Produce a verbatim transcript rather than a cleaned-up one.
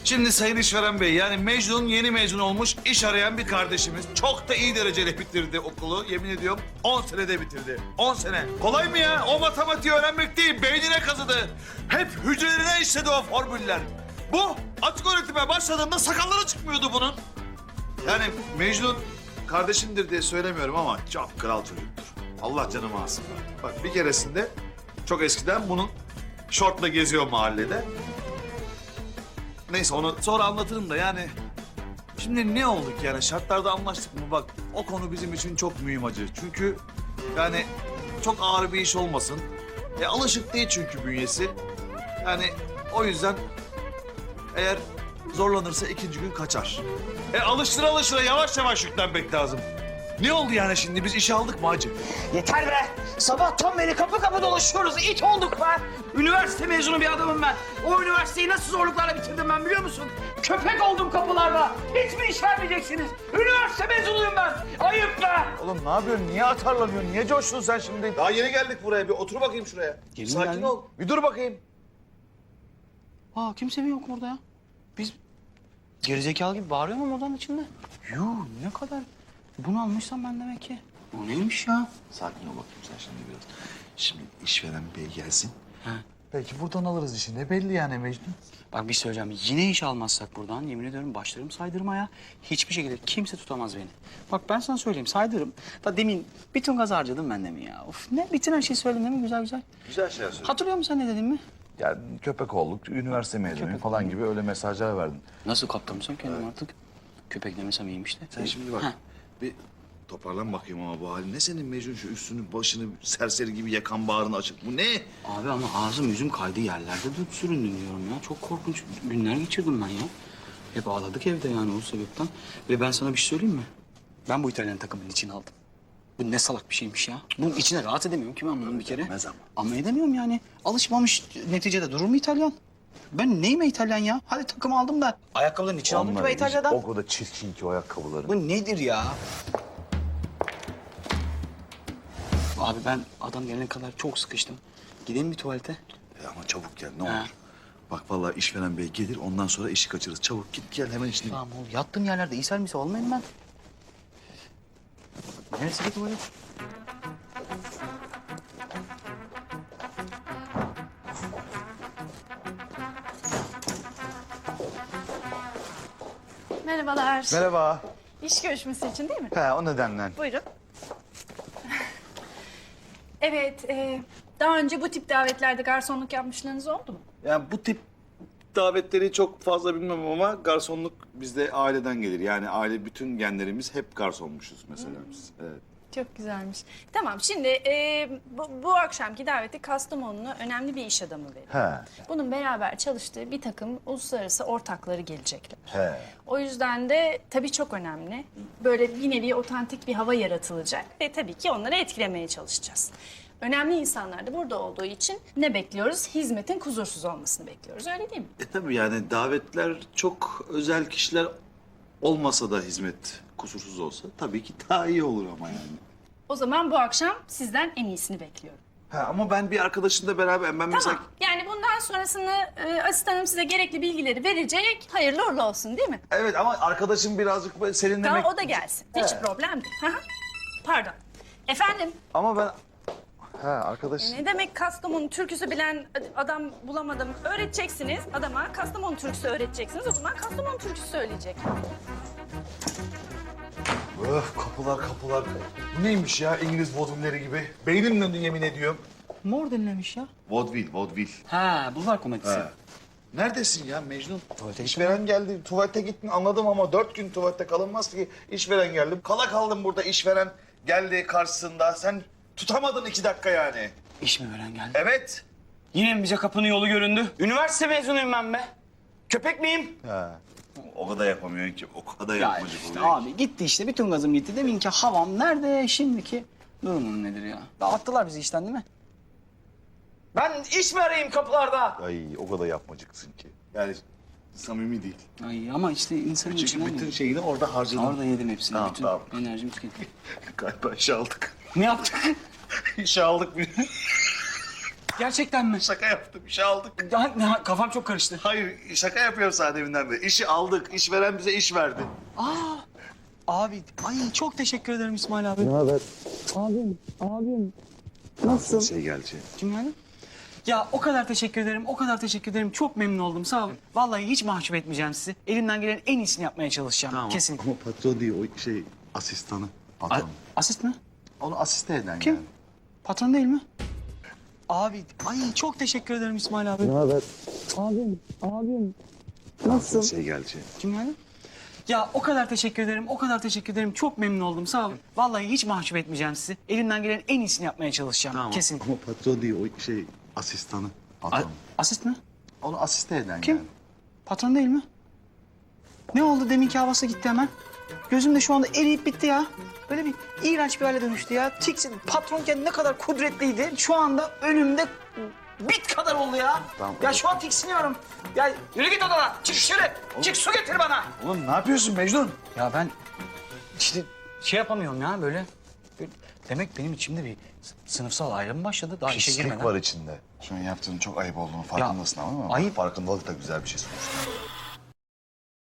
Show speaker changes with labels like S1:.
S1: Şimdi Sayın İşveren Bey, yani Mecnun yeni mezun olmuş iş arayan bir kardeşimiz. Çok da iyi dereceli bitirdi okulu. Yemin ediyorum on senede bitirdi. on sene. Kolay mı ya? O matematiği öğrenmek değil, beynine kazıdı. Hep hücrelerine işledi o formüller. Bu açık öğretime başladığında sakalları çıkmıyordu bunun. Yani Mecnun kardeşimdir diye söylemiyorum ama çok kral çocuktur. Allah canımı alsın. Bak bir keresinde çok eskiden bunun şortla geziyor mahallede. Neyse onu sonra anlatırım da yani. Şimdi ne olduk yani şartlarda anlaştık mı bak o konu bizim için çok mühim acı. Çünkü yani çok ağır bir iş olmasın. E, alışık değil çünkü bünyesi. Yani o yüzden eğer zorlanırsa ikinci gün kaçar. E alıştıra alıştıra yavaş yavaş yüklenmek lazım. Ne oldu yani şimdi biz işe aldık mı hacı?
S2: Yeter be! Sabahtan beri kapı kapı dolaşıyoruz. İt olduk be! Üniversite mezunu bir adamım ben. O üniversiteyi nasıl zorluklarla bitirdim ben biliyor musun? Köpek oldum kapılarda. Hiç mi iş vermeyeceksiniz? Üniversite mezunuyum ben. Ayıp be!
S1: Oğlum ne yapıyorsun? Niye atarlanıyorsun? Niye coştun sen şimdi? Daha yeni geldik buraya. Bir otur bakayım şuraya.
S2: Yeni
S1: Sakin
S2: geldik.
S1: ol. Bir dur bakayım.
S2: Aa kimse mi yok burada ya? Biz gerizekalı gibi bağırıyor mu oradan içinde? Yuh ne kadar bunalmışsam ben demek ki. O neymiş ya?
S1: Sakin ol bakayım sen şimdi biraz. Şimdi işveren bey gelsin.
S2: Ha.
S1: Belki buradan alırız işi. Ne belli yani Mecnun?
S2: Bak bir şey söyleyeceğim. Yine iş almazsak buradan yemin ediyorum başlarım saydırmaya. Hiçbir şekilde kimse tutamaz beni. Bak ben sana söyleyeyim saydırırım. Da demin bütün gaz harcadım ben de mi ya? Of ne bütün her şeyi söyledin değil mi güzel güzel?
S1: Güzel şeyler söyle.
S2: Hatırlıyor musun sen ne dedin mi?
S3: Yani köpek olduk, üniversite mezunu falan gibi öyle mesajlar verdin.
S2: Nasıl kaptırmışsam kendim artık. Köpek demesem iyiymiş de.
S1: Sen şimdi bak
S2: Ha.
S1: bir toparlan bakayım ama bu halin. Ne senin Mecnun şu üstünü başını serseri gibi yakan bağrını açık. Bu ne?
S2: Abi ama ağzım yüzüm kaydı yerlerde de süründüm diyorum ya. Çok korkunç günler geçirdim ben ya. Hep ağladık evde yani o sebepten. Ve ben sana bir şey söyleyeyim mi? Ben bu İtalyan takımının içine aldım. Bu ne salak bir şeymiş ya. Bunun içine rahat edemiyorum ki ben bunun bir kere.
S1: Edemez ama.
S2: Ama edemiyorum yani. Alışmamış neticede durur mu İtalyan? Ben neyim İtalyan ya? Hadi takım aldım da. Ayakkabıların içine aldım ki
S3: Onlar
S2: ben
S3: hiç
S2: İtalya'dan.
S3: o kadar çirkin ki o ayakkabıların.
S2: Bu nedir ya? Abi ben adam gelene kadar çok sıkıştım. Gidelim bir tuvalete.
S1: E ama çabuk gel ne
S2: Ha.
S1: olur. Bak vallahi işveren bey gelir ondan sonra işi kaçırırız. Çabuk git gel hemen işini.
S2: Tamam oğlum yattığım yerlerde ishal misal olmayayım ben. Neresi ki tuvalet?
S4: Merhabalar.
S3: Merhaba.
S4: İş görüşmesi için değil mi?
S3: He o nedenle.
S4: Buyurun. Evet, e, daha önce bu tip davetlerde garsonluk yapmışlığınız oldu mu?
S1: Yani bu tip davetleri çok fazla bilmem ama garsonluk bizde aileden gelir. Yani aile bütün genlerimiz hep garsonmuşuz mesela biz. Evet.
S4: Çok güzelmiş. Tamam, şimdi e, bu, bu akşamki daveti Kastamonu'lu önemli bir iş adamı veriyor.
S3: He.
S4: Bunun beraber çalıştığı bir takım uluslararası ortakları gelecekler.
S3: He.
S4: O yüzden de tabii çok önemli. Böyle bir nevi otantik bir hava yaratılacak ve tabii ki onları etkilemeye çalışacağız. Önemli insanlar da burada olduğu için ne bekliyoruz? Hizmetin kusursuz olmasını bekliyoruz, öyle değil mi?
S1: E tabii yani davetler çok özel kişiler olmasa da hizmet kusursuz olsa tabii ki daha iyi olur ama yani.
S4: O zaman bu akşam sizden en iyisini bekliyorum.
S1: Ha, ama ben bir arkadaşımla beraber ben mesela...
S4: Tamam, yani bundan sonrasını e, asistanım size gerekli bilgileri verecek. Hayırlı uğurlu olsun değil mi?
S1: Evet ama arkadaşım birazcık böyle seninle...
S4: Tamam, o da gelsin. Hiç problem değil. Hı hı. Pardon. Efendim,
S3: Ama ben... He arkadaş.
S4: ne demek Kastamonu türküsü bilen adam bulamadım. Öğreteceksiniz adama. Kastamonu türküsü öğreteceksiniz. O zaman Kastamonu türküsü söyleyecek.
S1: Öf kapılar kapılar. Bu neymiş ya İngiliz vodvilleri gibi? Beynim döndü yemin ediyorum.
S2: Mor denilemiş ya.
S1: Vodvil, vodvil.
S2: Ha bulvar komedisi.
S1: Ha. Neredesin ya Mecnun?
S2: Tuvalete
S1: İşveren geldi. Tuvalete gittin anladım ama dört gün tuvalette kalınmaz ki. İşveren geldi. Kala kaldım burada işveren geldi karşısında. Sen tutamadın iki dakika yani.
S2: İş mi veren geldi?
S1: Evet.
S2: Yine mi bize kapının yolu göründü? Üniversite mezunuyum ben be. Köpek miyim?
S3: He.
S1: O kadar yapamıyorsun ki. O kadar
S2: Ya
S1: yapmacık
S2: işte
S1: oluyor ki.
S2: abi gitti işte bütün gazım gitti. Deminki havam nerede şimdiki durumum nedir ya? Dağıttılar bizi işten değil mi? Ben iş mi arayayım kapılarda?
S3: Ay o kadar yapmacıksın ki.
S1: Yani samimi değil.
S2: Ay ama işte insanın
S1: Çünkü
S2: içinden
S1: bütün
S2: yedim.
S1: şeyini orada harcadın.
S2: Orada yedim hepsini.
S1: Tamam,
S2: bütün
S1: tamam.
S2: enerjimi tükettim.
S1: Galiba işe aldık.
S2: Ne yaptık?
S1: İşe aldık bir.
S2: Gerçekten mi?
S1: Şaka yaptım, işi aldık.
S2: Ya, ne- kafam çok karıştı.
S1: Hayır, şaka yapıyorum sana deminden beri. İşi aldık, işveren bize iş verdi.
S2: Abi, ay çok teşekkür ederim İsmail abi. Ne haber? Abim, abim. Nasılsın?
S3: Şey gelecek.
S2: Kim yani? Ya o kadar teşekkür ederim, o kadar teşekkür ederim. Çok memnun oldum, sağ olun. Vallahi hiç mahcup etmeyeceğim sizi. Elimden gelen en iyisini yapmaya çalışacağım. Kesinlikle.
S3: Ama patron değil, o şey asistanı.
S2: A-
S3: Patron.
S2: asist mi?
S3: Onu asiste eden
S2: Kim?
S3: yani.
S2: Patron değil mi? Abi, ay çok teşekkür ederim İsmail abi. Ne haber? Abim, abim. Nasılsın?
S3: Şey gelecek.
S2: Kim yani? Ya o kadar teşekkür ederim, o kadar teşekkür ederim. Çok memnun oldum, sağ olun. Vallahi hiç mahcup etmeyeceğim sizi. Elimden gelen en iyisini yapmaya çalışacağım. Kesinlikle.
S3: Ama patron değil, o şey asistanı.
S2: A-
S3: Patron.
S2: asist mi?
S3: Onu asiste eden
S2: Kim?
S3: yani.
S2: Patron değil mi? Ne oldu? Deminki havası gitti hemen. Gözüm de şu anda eriyip bitti ya. Böyle bir iğrenç bir hale dönüştü ya. Tiksin. Patronken ne kadar kudretliydi. Şu anda önümde bit kadar oldu ya.
S3: Tamam.
S2: Ya şu an tiksiniyorum. Ya yürü git odana. Çık dışarı. Çık su getir bana.
S1: Oğlum ne yapıyorsun Mecnun?
S2: Ya ben işte şey yapamıyorum ya böyle. böyle- Demek benim içimde bir s- sınıfsal ayrım başladı. Daha işe
S3: Pislik
S2: girmeden.
S3: var içinde. Şunu yaptığın çok ayıp olduğunu farkındasın ama
S2: ayıp-
S3: farkındalık da güzel bir şey sonuçta.